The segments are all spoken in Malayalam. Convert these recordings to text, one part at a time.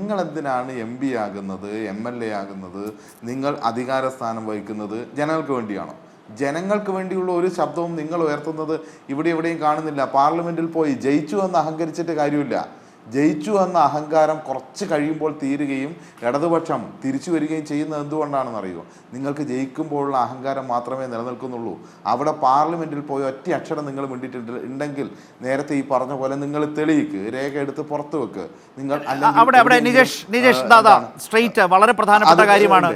നിങ്ങൾ എന്തിനാണ് MP ആകുന്നത്, MLA ആകുന്നത്, നിങ്ങൾ അധികാര സ്ഥാനം വഹിക്കുന്നത് ജനങ്ങൾക്ക് വേണ്ടിയാണോ? ജനങ്ങൾക്ക് വേണ്ടിയുള്ള ഒരു ശബ്ദവും നിങ്ങൾ ഉയർത്തുന്നത് ഇവിടെ എവിടെയും കാണുന്നില്ല. പാർലമെന്റിൽ പോയി ജയിച്ചു എന്ന് അഹങ്കരിച്ചിട്ട് കാര്യമില്ല. ജയിച്ചു എന്ന അഹങ്കാരം കുറച്ച് കഴിയുമ്പോൾ തീരുകയും ഇടതുപക്ഷം തിരിച്ചു വരികയും ചെയ്യുന്നത് എന്തുകൊണ്ടാണെന്ന് അറിയുമോ? നിങ്ങൾക്ക് ജയിക്കുമ്പോഴുള്ള അഹങ്കാരം മാത്രമേ നിലനിൽക്കുന്നുള്ളൂ. അവിടെ പാർലമെന്റിൽ പോയി ഒറ്റ അക്ഷരം നിങ്ങൾ ഉണ്ടെങ്കിൽ നേരത്തെ ഈ പറഞ്ഞ പോലെ നിങ്ങൾ തെളിയിക്ക്, രേഖ എടുത്ത് പുറത്തു വെക്ക്. നിങ്ങൾ വളരെ പ്രധാനപ്പെട്ട കാര്യമാണ്.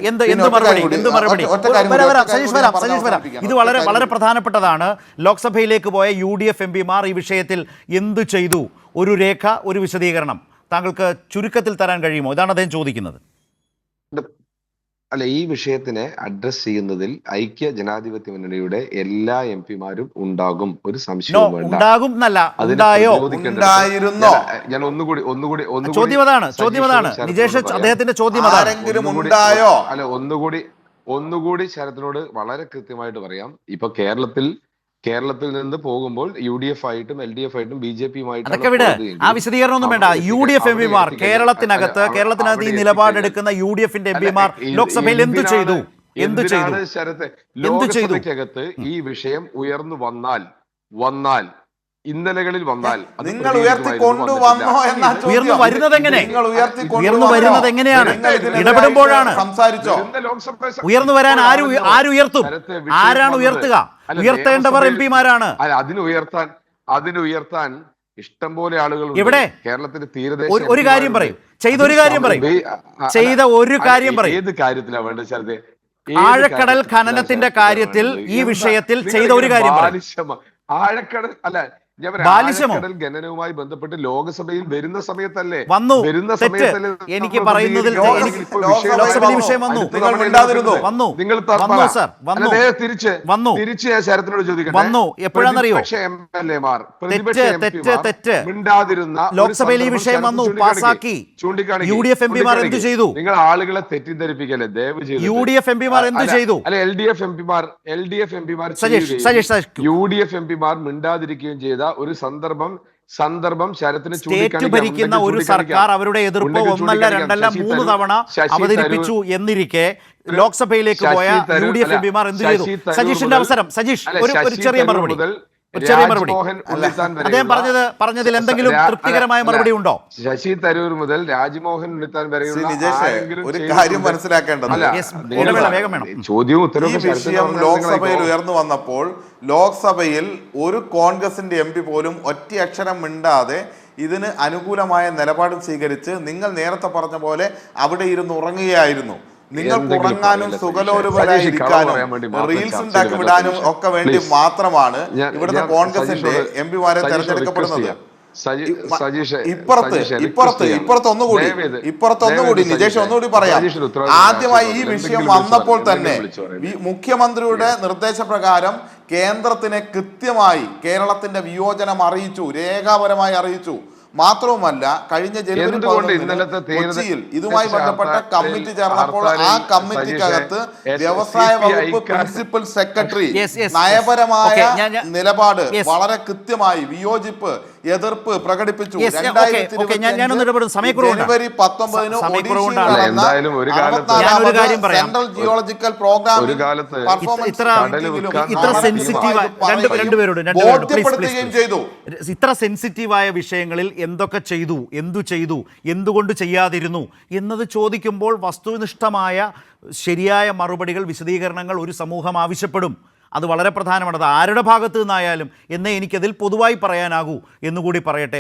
ഇത് വളരെ പ്രധാനപ്പെട്ടതാണ്. ലോക്സഭയിലേക്ക് പോയ UDF MPമാർ ഈ വിഷയത്തിൽ എന്തു ചെയ്തു? ഒരു രേഖ, ഒരു വിശദീകരണം താങ്കൾക്ക് ചുരുക്കത്തിൽ തരാൻ കഴിയുമോ? ഇതാണ് അദ്ദേഹം ചോദിക്കുന്നത്. അല്ല, ഈ വിഷയത്തിനെ അഡ്രസ് ചെയ്യുന്നതിൽ ഐക്യ ജനാധിപത്യ മുന്നണിയുടെ എല്ലാ MP മാരും ഉണ്ടാകും, ഒരു സംശയവും വേണ്ട. ഉണ്ടാകും എന്നല്ല, ഉണ്ടായോ? ഞാൻ ഒന്നുകൂടി ചോദ്യം അതാണ് നിജേഷ്, അദ്ദേഹത്തിന്റെ ചോദ്യം അതാണ്. അല്ല, ഒന്നുകൂടി ശരത്തിനോട് വളരെ കൃത്യമായിട്ട് പറയാം. ഇപ്പൊ കേരളത്തിൽ നിന്ന് പോകുമ്പോൾ UDF ആയിട്ടും LDF ആയിട്ടും BJP-യുമായിട്ടും ആ വിശദീകരണം ഒന്നും വേണ്ട. UDF MPമാർ കേരളത്തിനകത്ത് ഈ നിലപാടെടുക്കുന്ന UDF-ന്റെ MPമാർ ലോക്സഭയിൽ എന്തു ചെയ്തു? ശരത്ത്, ലോക്സഭയ്ക്കകത്ത് ഈ വിഷയം ഉയർന്നു വന്നാൽ ഇന്നലകളിൽ നിങ്ങൾ ഉയർന്നു വരുന്നത് എങ്ങനെയാണ്? ഇടപെടുമ്പോഴാണ്. സംസാരിച്ചോ? ഉയർന്നു വരാൻ ആരുയർത്തും? ആരാണ് ഉയർത്തുക? ഉയർത്തേണ്ടവർ MP-മാരാണ്. അതിനുയർത്താൻ ഇഷ്ടം പോലെ ആളുകൾ ഇവിടെ കേരളത്തിന്റെ തീരദേശ. ഒരു കാര്യം പറയും, ചെയ്ത ഒരു കാര്യം പറയും. ഏത് കാര്യത്തിലാണ് വേണ്ടത് ശരത്തെ? ആഴക്കടൽ ഖനനത്തിന്റെ കാര്യത്തിൽ ഈ വിഷയത്തിൽ ചെയ്ത ഒരു കാര്യം ആഴക്കടൽ അല്ല, ആഴക്കടൽ ഖനനവുമായി ബന്ധപ്പെട്ട് ലോക്സഭയിൽ വരുന്ന സമയത്തല്ലേ എനിക്ക് പറയുന്നതിൽ തിരിച്ച് ഞാൻ ശരത്തിനോട് ചോദിക്കട്ടെ, എപ്പോഴാണെന്നറിയോ? മിണ്ടാതിരുന്ന ലോക്സഭയിൽ ഈ വിഷയം വന്നു, പാസാക്കി. UDF MPമാർ എന്ത് ചെയ്തു? നിങ്ങൾ ആളുകളെ തെറ്റിദ്ധരിപ്പിക്കല്ലേ ദയവ് ചെയ്ത്. UDF MPമാർ എന്ത് ചെയ്തു? അല്ല, LDF MPമാർ UDF MPമാർ മിണ്ടാതിരിക്കുകയും ചെയ്ത ഒരു സന്ദർഭം ശരത്തിന് ഭരിക്കുന്ന ഒരു സർക്കാർ അവരുടെ എതിർപ്പ് ഒന്നല്ല രണ്ടല്ല 3 തവണ അവതരിപ്പിച്ചു എന്നിരിക്കെ ലോക്സഭയിലേക്ക് പോയ UDF MPമാർ എന്ത് ചെയ്തു? സജീഷിന്റെ അവസരം. സജീഷ്, ഒരു ചെറിയ മറുപടി. അദ്ദേഹം പറഞ്ഞതിൽ എന്തെങ്കിലും തൃപ്തികരമായ മറുപടി ഉണ്ടോ? ശശി തരൂർ മുതൽ രാജ്മോഹൻ ഉണ്ണിത്താൻ വരെയുള്ള ഒരു കാര്യം മനസ്സിലാക്കേണ്ടത്, ചോദ്യവും ഉത്തരവും ലോക്സഭയിൽ ഉയർന്നു വന്നപ്പോൾ ലോക്സഭയിൽ ഒരു കോൺഗ്രസിന്റെ MP പോലും ഒറ്റ അക്ഷരം മിണ്ടാതെ ഇതിന് അനുകൂലമായ നിലപാടും സ്വീകരിച്ച് നിങ്ങൾ നേരത്തെ പറഞ്ഞ പോലെ അവിടെ ഇരുന്ന് ഉറങ്ങുകയായിരുന്നു. നിങ്ങൾക്ക് ഉറങ്ങാനും സുഖലോലുപരായിരിക്കാനും റീൽസ് ഉണ്ടാക്കി വിടാനും ഒക്കെ വേണ്ടി മാത്രമാണ് ഇവിടുത്തെ കോൺഗ്രസിന്റെ MP-മാരെ തെരഞ്ഞെടുക്കപ്പെടുന്നത്. ഇപ്പുറത്തൊന്നുകൂടി നിജേഷ് ഒന്നുകൂടി പറയാം. ആദ്യമായി ഈ വിഷയം വന്നപ്പോൾ തന്നെ മുഖ്യമന്ത്രിയുടെ നിർദ്ദേശപ്രകാരം കേന്ദ്രത്തിനെ കൃത്യമായി കേരളത്തിന്റെ വിയോജനം അറിയിച്ചു, രേഖാപരമായി അറിയിച്ചു. മാത്രവുമല്ല, കഴിഞ്ഞ ജനുവരി 11 കൊച്ചിയിൽ ഇതുമായി ബന്ധപ്പെട്ട കമ്മിറ്റി ചേർന്നപ്പോൾ ആ കമ്മിറ്റിക്കകത്ത് വ്യവസായ വകുപ്പ് പ്രിൻസിപ്പൽ സെക്രട്ടറി നയപരമായ നിലപാട് വളരെ കൃത്യമായി വിയോജിപ്പ്, എതിർപ്പ് പ്രകടിപ്പിച്ചു. ജനുവരി 19 സെൻട്രൽ ജിയോളജിക്കൽ പ്രോഗ്രാം ബോധ്യപ്പെടുത്തുകയും ചെയ്തു. ഇത്ര സെൻസിറ്റീവായ വിഷയങ്ങളിൽ എന്തൊക്കെ ചെയ്തു, എന്തു ചെയ്തു, എന്തുകൊണ്ട് ചെയ്യാതിരുന്നു എന്നത് ചോദിക്കുമ്പോൾ വസ്തുനിഷ്ഠമായ ശരിയായ മറുപടികൾ, വിശദീകരണങ്ങൾ ഒരു സമൂഹം ആവശ്യപ്പെടും. അത് വളരെ പ്രധാനമാണ്. അത് ആരുടെ ഭാഗത്തു നിന്നായാലും എന്നേ എനിക്കതിൽ പൊതുവായി പറയാനാകൂ എന്നുകൂടി പറയട്ടെ.